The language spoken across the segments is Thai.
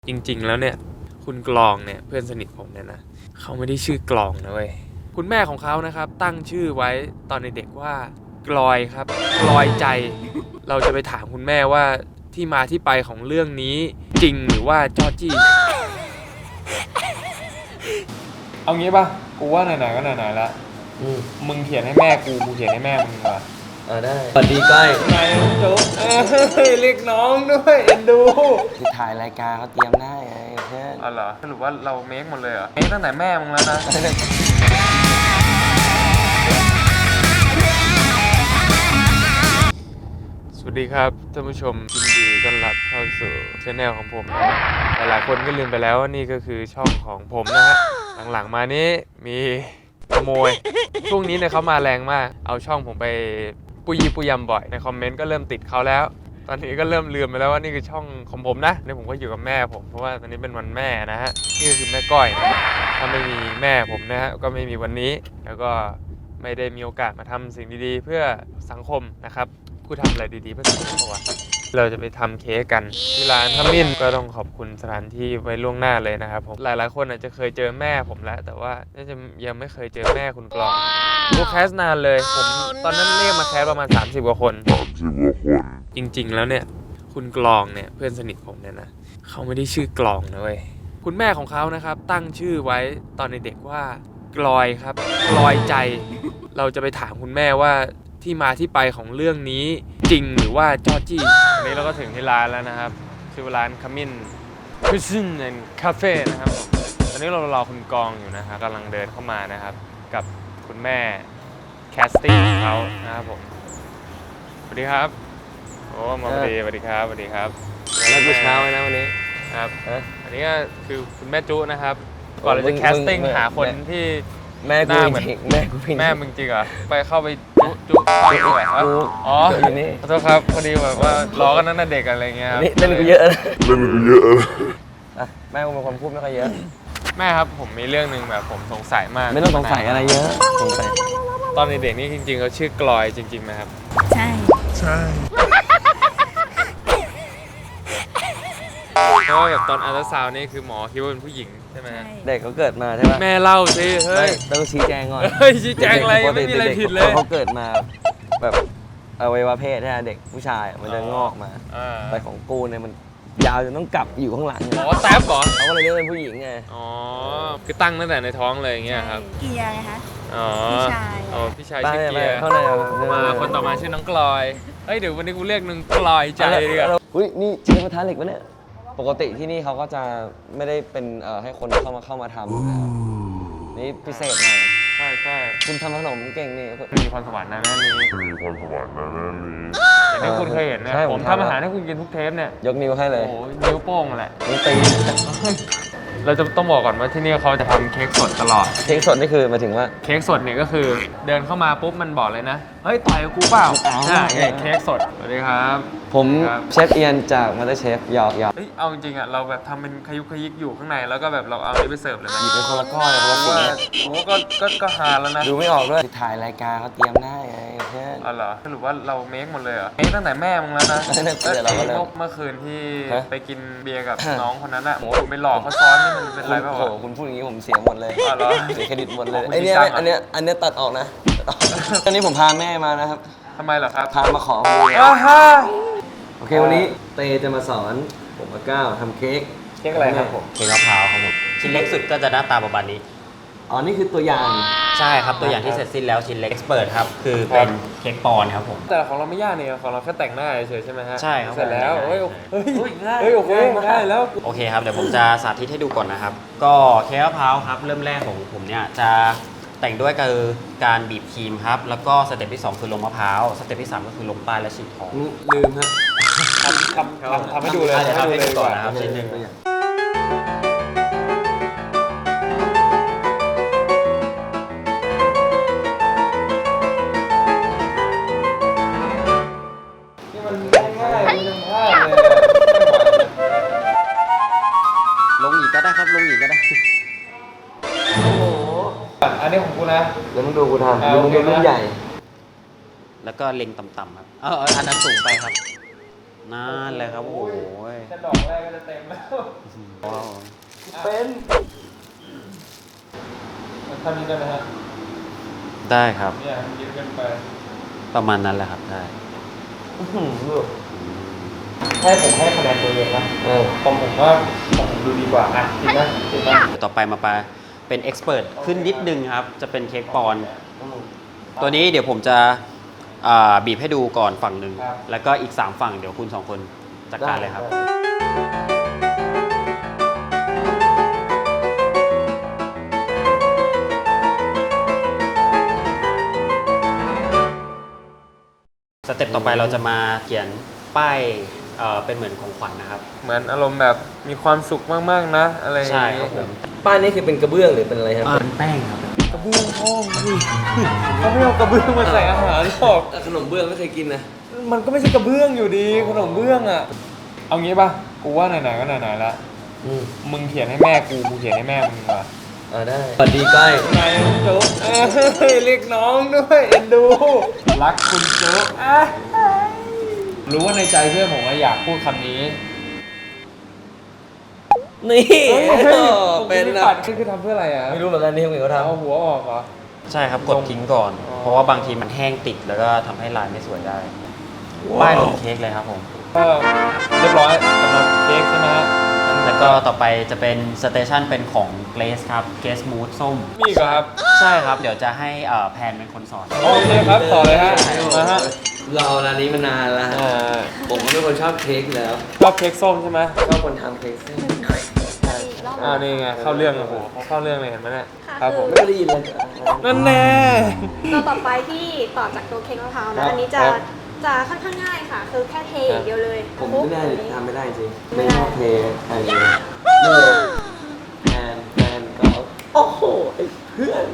จริงๆแล้วเนี่ยคุณกลองเนี่ยเพื่อนสนิทผมเนี่ยนะเขาไม่ได้ชื่อกลองนะเว้ยคุณแม่ของเขานะครับตั้งชื่อไว้ตอนเด็กๆว่ากลอยครับกลอยใจเราจะไปถามคุณแม่ว่าที่มาที่ไปของเรื่องนี้จริงหรือว่าจอจี้เอางี้ป่ะกูว่าไหนๆก็ไหนๆแล้วมึงเขียนให้แม่กูเขียนให้แม่มึงว่ะได้สวัสดีก้อยนายโจ๊กเรียกน้องด้วยเอ็นดูที่ถ่ายรายการเขาเตรียมได้ไงเพื่อนอ๋อเหรอสรุปว่าเราเมคหมดเลยเหรอเมคตั้งแต่แม่มึงแล้วนะสวัสดีครับท่านผู้ชมยินดีต้อนรับเข้าสู่ช่องของผมนะหลายๆคนก็ลืมไปแล้วว่านี่ก็คือช่องของผมนะฮะหลังๆมานี้มีขโมยช่วงนี้เนี่ยเขามาแรงมากเอาช่องผมไปปุยยำบ่อยในคอมเมนต์ก็เริ่มติดเขาแล้วตอนนี้ก็เริ่มลืมไปแล้วว่านี่คือช่องของผมนะนี่ผมก็อยู่กับแม่ผมเพราะว่าตอนนี้เป็นวันแม่นะฮะนี่ก็คือแม่ก้อยนะถ้าไม่มีแม่ผมนะฮะก็ไม่มีวันนี้แล้วก็ไม่ได้มีโอกาสมาทำสิ่งดีๆเพื่อสังคมนะครับกูทำอะไรดีๆเพื่อสังคมวะเราจะไปทำเค้กกันที่ร้านขมิ้นก็ต้องขอบคุณสถานที่ไว้ล่วงหน้าเลยนะครับผมหลายๆคนอาจจะเคยเจอแม่ผมแล้วแต่ว่าน่าจะยังไม่เคยเจอแม่คุณกลองกูแคสนานเลยผมตอนนั้นเรียกมาแคสประมาณ30 กว่าคนจริงๆแล้วเนี่ยคุณกลองเนี่ยเพื่อนสนิทผมเนี่ยนะเขาไม่ได้ชื่อกลองนะเว้ยคุณแม่ของเขานะครับตั้งชื่อไว้ตอนเด็กๆว่ากลอยครับกลอยใจเราจะไปถามคุณแม่ว่าที่มาที่ไปของเรื่องนี้จริงหรือว่าจอจี้วันนี้เราก็ถึงที่ร้านแล้วนะครับชื่อร้านขมิ้นคิชเช่นแอนด์คาเฟ่นะครับตอนนี้เรารอคุณกองอยู่นะฮะกำลังเดินเข้ามานะครับกับคุณแม่แคสติ้งของเขานะครับผมสวัสดีครับโอ้มาพอดีสวัสดีครับสวัสดีครับแล้วเช้าเลยนะวันนี้ครับอันนี้ก็คือคุณแม่จุนะครับก่อนเราจะแคสติ้งหาคนที่แม่กูจริงแม่กูจริงแม่มึงจริงเหรอไปเข้าไปจุด้วยอ๋อขอโทษครับพอดีแบบว่าล้อกันตั้งแต่เด็กอะไรเงี้ยครับเล่นกูเยอะแม่กูเป็นคนพูดไม่ค่อยเยอะแม่ครับผมมีเรื่องนึงแบบผมสงสัยมากไม่ต้องสงสัยอะไรเยอะสงสัยตอนเด็กๆนี่จริงๆเขาชื่อกลอยจริงๆไหมครับใช่เพราะว่าแบบตอนอัลตราซาวน์นี่คือหมอคิดว่าเป็นผู้หญิงใช่ไหมเด็กเขาเกิดมาใช่ไหมแม่เล่าสิเฮ้ยต้องชี้แจงก่อนเฮ้ยชี้แจงอะไรไม่มีอะไรผิดเลยเขาเกิดมาแบบอวัยวะเพศใช่ไหมเด็กผู้ชายมันจะงอกมาแต่ของกูเนี่ยมันยาวจนต้องกลับอยู่ข้างหลังอ๋อแท็บเหรอเขาก็เลยเรียกเป็นผู้หญิงไงอ๋อคือตั้งตั้งแต่ในท้องเลยอย่างเงี้ยครับเกียร์ไงคะอ๋อพี่ชายชื่อเกียร์มาคนต่อมาชื่อน้องกลอยเฮ้ยเดี๋ยววันนี้กูเรียกนึงกลอยใจดีกว่าอุ้ยนี่ใช้กระทะเหล็กปะเนี่ยปกติที่นี่เขาก็จะไม่ได้เป็นให้คนเข้ามาทำนะครับนี่พิเศษหน่อยใช่คุณทำขนมเก่งนี่มีพรสวรรค์นะแม่นี้อย่างที่คุณเคยเห็นนะผมทำอาหารให้คุณกินทุกเทปเนี่ยยกนิ้วให้เลยโอ้นิ้วโป้งแหละนิ้วตีเราจะต้องบอกก่อนว่าที่นี่เขาจะทำเค้กสดตลอดเค้กสดนี่คือหมายถึงว่าเค้กสดเนี่ยก็คือเดินเข้ามาปุ๊บมันบอกเลยนะเฮ้ยต่อยกับกูเปล่าใช่เค้กสดสวัสดีครับผมเชฟเอียนจากมาสเตอร์เชฟหยอกเอาจริงๆอ่ะเราแบบทำเป็นขยุกขยิกอยู่ข้างในแล้วก็แบบเราเอาไปเสิร์ฟเลยหยิบเป็นคนละก้อนคนละสีโอ้ก็หาแล้วนะดูไม่ออกด้วยถ่ายรายการเขาเตรียมได้ไงเพื่อนอ๋อเหรอสรุปว่าเราเมคหมดเลยเหรอเมคตั้งแต่แม่มึงแล้วนะเมื่อคืนที่ไปกินเบียร์กับน้องคนนั้นอ่ะโอ้ไปหลอกเขาซ้อนนี่มันเป็นไรเปล่าคุณพูดอย่างนี้ผมเสียหมดเลยอ๋อเหรอเสียเครดิตหมดเลยอันนี้ตัดออกนะตอนนี้ผมพาแม่มานะครับทำไมเหรอครับพามาขอโอเควันนี้เตจะมาสอนผมกับก้าวทำเค้กอะไรครับผมเค้กมะพร้าวครับผมชิ้นเล็กสุดก็จะหน้าตาประมาณนี้อ๋อนี่คือตัวอย่างใช่ครับตัวอย่างที่เสร็จสิ้นแล้วชิ้นเล็กเอ็กซ์เปิดครับคือเป็นเค้กปอนครับผมแต่ของเราไม่ยากนี่ของเราแค่แต่งหน้าเฉยใช่ไหมฮะใช่ครับเสร็จแล้วโอ้โหง่ายแล้วโอเคครับเดี๋ยวผมจะสาธิตให้ดูก่อนนะครับก็เค้กมะพร้าวครับเริ่มแรกของผมเนี่ยจะแต่งด้วยการบีบครีมครับแล้วก็สเต็ปที่2คือลงมะพร้าวสเต็ปที่3ก็คือลงป้ายและฉีกทองลืมฮะทำให้ดูเลยทำให้ดูก่อนนะครับชิ้นหนึ่งนี่มันง่ายไม่ต้องพลาดเลยลงอีกก็ได้ครับลงอีกก็ได้อันนี้ของกูนะเดี๋ยวมึงดูกูทำมึงดูรุ่นใหญ่แล้วก็เล็งต่ำๆครับอันนั้นสูงไปครับนั่นเลยครับโอ้โหแค่ดอกแรกก็จะเต็มแล้วว้าวเป็นทำนี้ได้ไหมฮะได้ครับเนี่ยมันเยอะเกินไปประมาณนั้นแหละครับได้ให้ผมให้คะแนนตัวเองนะผมว่าของผมดูดีกว่าอ่ะจริงนะจริงนะต่อไปมาเป็นเอ็กซ์เพรสขึ้นนิดนึงครับ จะเป็นเค้กปอนด์ตัวนี้เดี๋ยวผมจะบีบให้ดูก่อนฝั่งหนึ่ง แล้วก็อีก 3 ฝั่งเดี๋ยวคุณ 2 คนจัดการเลยครับ สเต็ปต่อไปเราจะมาเขียนป้ายเป็นเหมือนของขวัญนะครับเหมือนอารมณ์แบบมีความสุขมากๆนะอะไรอย่างใช่เงี้ครับยผมป้ายนี้คือเป็นกระเบื้องหรือเป็นอะไรครับเป็นแป้งครับกระเบื้องพ่องพี่เขาไม่เอากระเบื้องมาใส่อาหารหรอกขนมเบื้องไม่เคยกินนะมันก็ไม่ใช่กระเบื้องอยู่ดีขนมเบื้องอ่ะเอางี้ป่ะกูว่าไหนๆก็ไหนๆละมึงเขียนให้แม่กูเขียนให้แม่มึงดีกว่าได้สวัสดีก้อยนายโจ๊กเรียกน้องด้วยเอ็นดู รักคุณโจ๊กรู้ว่าในใจเพื่อนผมว่าอยากพูดคำนี้นี่เป็เป็น นนะนะคือทำเพื่ออะไรอ่ะไม่รู้เหมือนกันนี่เขาเอาทำหัวออกเหรอใช่ครับกดทิ้งก่อนอ๋อเพราะว่าบางทีมันแห้งติดแล้วก็ทำให้ลายไม่สวยได้ ป้ายลงเค้กเลยครับผมก็เรียบร้อยสำหรับเค้กใช่ไหมฮะแล้วก็ต่อไปจะเป็นสเตชันเป็นของเกรซครับเกรซมูดส้มมีอีกเหรอครับใช่ครับ เดี๋ยวจะให้แพนเป็นคนสอนโอเคครับต่อเลยฮะมาฮะเราเอาร้านนี้มานานแล้วฮะอ่าผมก็เป็นคนชอบเค้กอยู่แล้วชอบเค้กส้มใช่ไหมชอบคนทำเค้กเส้นนี่ไงเข้าเรื่องโอ้โหเขาเข้าเรื่องเลยเห็นไหมเนี่ยค่ะครับผมไม่ได้ยินเลยนั่นแน่ตัวต่อไปที่ต่อจากตัวเค้กมะพร้าวครันะบอันนี้จะครับจะค่อนข้างง่ายค่ะ คือแค่เทอย่างเดียวเลยผมคลุกไม่ได้แบบนี้ทำไม่ได้จริงไม่ไม่ได้ชอบเทใครเลยเลยแทนก็โอ้โหไอ้เพื่อน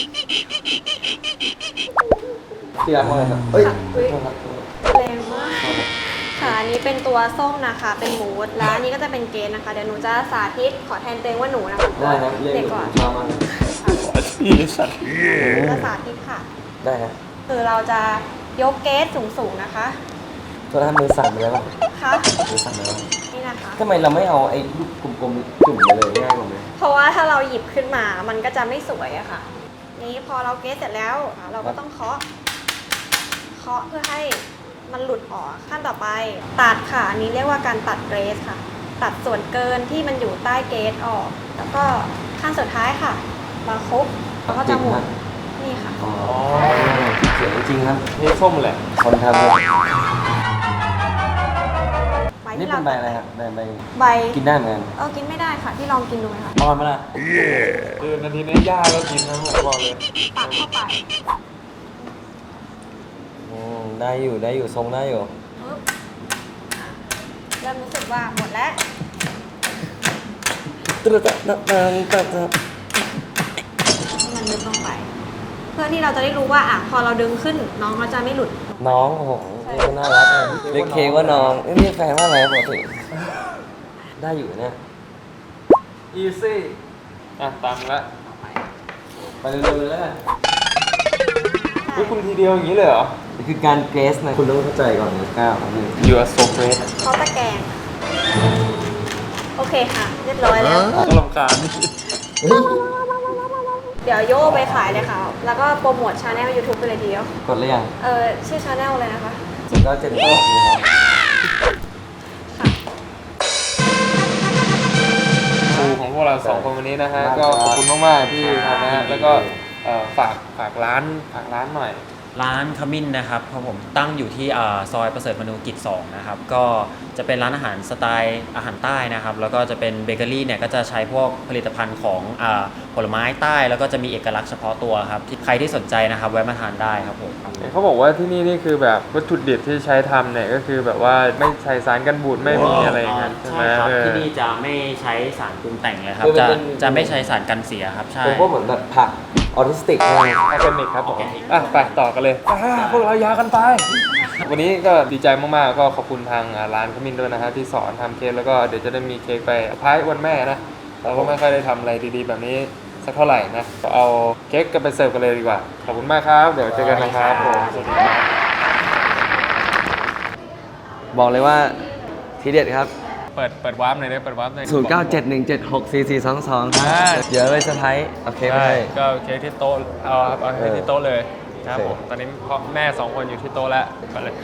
ที่รักว่าไงครับเอ้ยค่ะอุ๊ยโทษครับแรงมากค่ะอันนี้เป็นตัวส้มนะคะ เป็นมูสแล้วอันนี้ก็จะเป็นเกนนะคะ เดี๋ยวหนูจะสาธิตขอแทนตัวเองว่าหนูนะคะได้ครับเรียกเด็กก่อนมามาพี่สัตว์จะสาธิตค่ะได้ครับคือเราจะยกเกสสูงๆนะคะโทษนะครับมือสั่นไปแล้วป่ะค่ะมือสั่นไปแล้วนี่นะคะทำไมเราไม่เอาไอ้ลูกกลมๆจุ่มไปเลยง่ายกว่าไหมเพราะว่าถ้าเราหยิบขึ้นมา มันก็จะไม่สวยอะค่ะ นี้พอเราเกสเสร็จแล้วเราก็ต้องเคาะเพื่อให้มันหลุดออกขั้นต่อไปตัดค่ะอันนี้เรียกว่าการตัดเกรสค่ะ ตัดส่วนเกินที่มันอยู่ใต้เกรสออก แล้วก็ขั้นสุดท้ายค่ะมาคลุกแล้วก็จะหมุนนี่ค่ะอ๋อเสียงจริงครับเค้กส้มแหละคนทำครับใบนี่ที่เป็เรานใบอะไรครับใบใบกินได้เหมือนกันกินไม่ได้ค่ะที่ลองกินดูไหมคะอ่อนมาละคือนาทีนี้ย่าก็กินนะผมบอกเลยตักเข้าไปได้อยู่ทรงได้อยู่ปึ๊บเริ่มรู้สึกว่าหมดแล้วตึ๊ดตึ๊ดตึ๊ดตึ๊ดตึ๊ดให้มันลึกลงไป เพื่อที่เราจะได้รู้ว่าพอเราดึงขึ้นน้องเขาจะไม่หลุดน้องโอ้โหนี่ก็น่ารักเลยเรียกเคว่าน้องนี่แฟนว่าอะไรปกติได้อยู่เนี่ยอีซี่อ่ะตามละไปเร็วๆเลยแล้วกันเฮ้ยคุณทีเดียวอย่างนี้เลยเหรอนี่คือการเกรสนะคุณต้องเข้าใจก่อนนะก้าวนี่ You are so great เขาตะแกรงโอเคค่ะ เรียบร้อยแล้วก็ลำคาญนี่เดี๋ยวโย่ไปขายเลยค่ะ แล้วก็โปรโมทชาแนล YouTube ไปเลยทีเดียวกดหรือยังชื่อชาแนลเลยนะคะสุดยอดเจนเตอร์นี่ครับครูของพวกเราสองคนวันนี้นะฮะ ก็ขอบคุณมากๆที่ทำนะฮะ แล้วก็ฝากร้านหน่อยร้านขมิ้นนะครับครับผมตั้งอยู่ที่ซอยประเสริฐมนูกิจ 2 นะครับ ก็จะเป็นร้านอาหารสไตล์อาหารใต้นะครับ แล้วก็จะเป็นเบเกอรี่เนี่ยก็จะใช้พวกผลิตภัณฑ์ของผลไม้ใต้ แล้วก็จะมีเอกลักษณ์เฉพาะตัวครับที่ใครที่สนใจนะครับแวะมาทานได้ครับผมเขาบอกว่าที่นี่นี่คือแบบวัตถุดิบที่ใช้ทำเนี่ยก็คือแบบว่าไม่ใช้สารกันบูดไม่มีอะไรอย่างนั้นใช่ไหมใช่ครับเออที่นี่จะไม่ใช้สารปรุงแต่งเลยครับคือมันจะเป็นจะไม่ใช้สารกันเสียครับใช่ผมก็เหมือนแบบผักออทิสติกอะไรออร์แกนิกครับผมอ่ะไปต่อกันเลยพวกเรายากันไป วันนี้ก็ดีใจมากๆก็ขอบคุณทางร้านขมิ้นด้วยนะฮะที่สอนทำเค้กแล้วก็เดี๋ยวจะได้มีเค้กไปพายวันแม่นะเราก็ไม่ค่อยได้ทำอะไรดีๆแบบนี้สักเท่าไหร่นะก็เอาเค้กกันไปเสิร์ฟกันเลยดีกว่าขอบคุณมากครับเดี๋ยวเจอกันนะครับผมนบอกเลยว่าทีเด็ดครับเปิดวาร์ปหน่อยได้เปิดวาร์ปหน่อย 0971764422 ครับอ่าเดี๋ยวไปเซอร์ไพรส์โอเคไหมใช่ก็เค้กที่โต๊ะเอาเค้กที่โต๊ะเลยครับโอเคผมตอนนี้พ่อแม่2 คนอยู่ที่โต๊ะแล้วไปเลย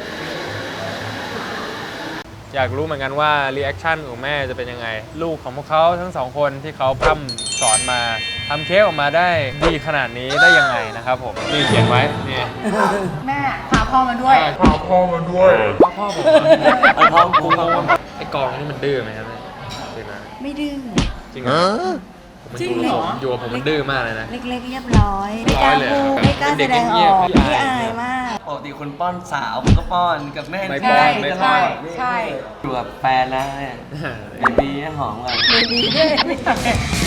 อยากรู้เหมือนกันว่ารีแอคชั่นของแม่จะเป็นยังไง ลูกของพวกเขาทั้ง 2 คนที่เขาพร่ำสอนมาทำเค้กออกมาได้ดีขนาดนี้ได้ยังไงนะครับผมนี่เขียนไว้นี่แม่พาพ่อมาด้วยพ่อผมพ่อกูไอ้กองนี่มันดื้อไหมครับเนี่ยจริงนะไม่ดื้อจริงเหรอจริงเหรออยู่กับผมมันดื้อมากเลยนะเล็กๆเรียบร้อย ไม่กล้าพูดไม่กล้าแสดงออกเป็นเด็กเงียบๆไม่อายมากปกติคุณป้อนสาวผมก็ป้อนกับแม่ไม่ที่ป้อนนี่ไม่ตป้ลออน ดใช่อยู่กับแฟนแล้วเนี่ยเบบีหอมกันดีด้วย